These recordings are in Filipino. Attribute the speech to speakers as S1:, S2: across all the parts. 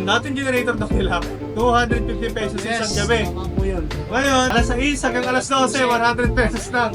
S1: dating generator daw nila, 250 pesos isang gabi.
S2: Tama po yun.
S1: Ngayon, alas 6 hanggang alas 12, 100 pesos lang.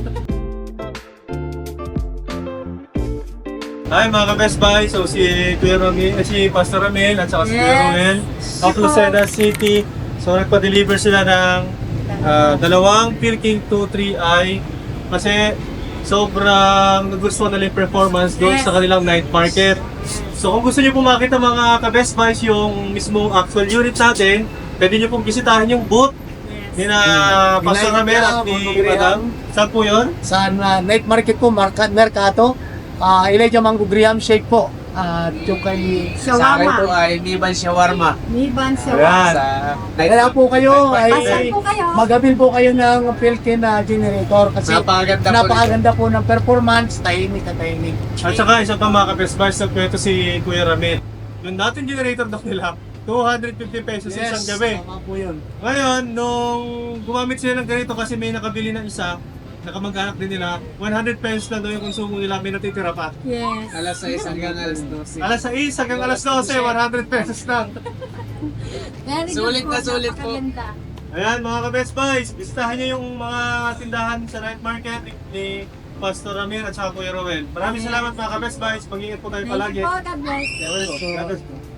S1: Hi mga ka-Best Buy, so si Kuya Ramil, si Pastor Ramil at saka si Kuya Romel of Lucena City. So nagpa-deliver sila ng dalawang Pilking 23i kasi sobrang nagustuhan nila yung performance doon sa kanilang night market. So kung gusto niyo po makita mga ka-Best Buys yung mismong actual unit natin, pwede niyo pong bisitahin yung booth ni na Pastor Ramil at ni Madam. Saan po yun?
S2: Sa night market po, Mercato. Elijah Mango Graham Shake po. At yung kay
S3: Sa akin po
S4: Shawarma.
S3: ay Niban Shawarma.
S4: Niban sa
S1: Ayan.
S3: Sa
S2: kaya po kayo
S4: Asan
S2: ay
S4: po kayo?
S2: magabil po kayo ng Pilkin na generator kasi
S3: napakaganda po
S2: ng performance, tahimik at tahimik.
S1: At saka isa pa mga ka-Best Buys, nagkwento si Kuya Ramil. Yung dating generator daw nila, 250 pesos isang gabi.
S2: Tama po yun.
S1: Ngayon, nung gumamit sila ng ganito kasi may nakabili ng isa, nakamag-anak din nila, 100 pesos lang daw yung konsumo nila, may natitira pa.
S4: Yes.
S3: Alas 6 hanggang alas 12.
S1: Alas 6 hanggang alas 12, 100 pesos lang.
S4: Very good
S3: Sulit
S4: po,
S3: na sulit po.
S4: napakaganda.
S1: Ayan mga ka-Best Buys, bisitahin nyo yung mga tindahan sa night market ni Pastor Ramil at saka Kuya Rowel. Maraming salamat mga ka-Best Buys, mag-iingat po tayo
S4: Thank
S1: palagi.
S4: you po, God bless.
S1: God bless po.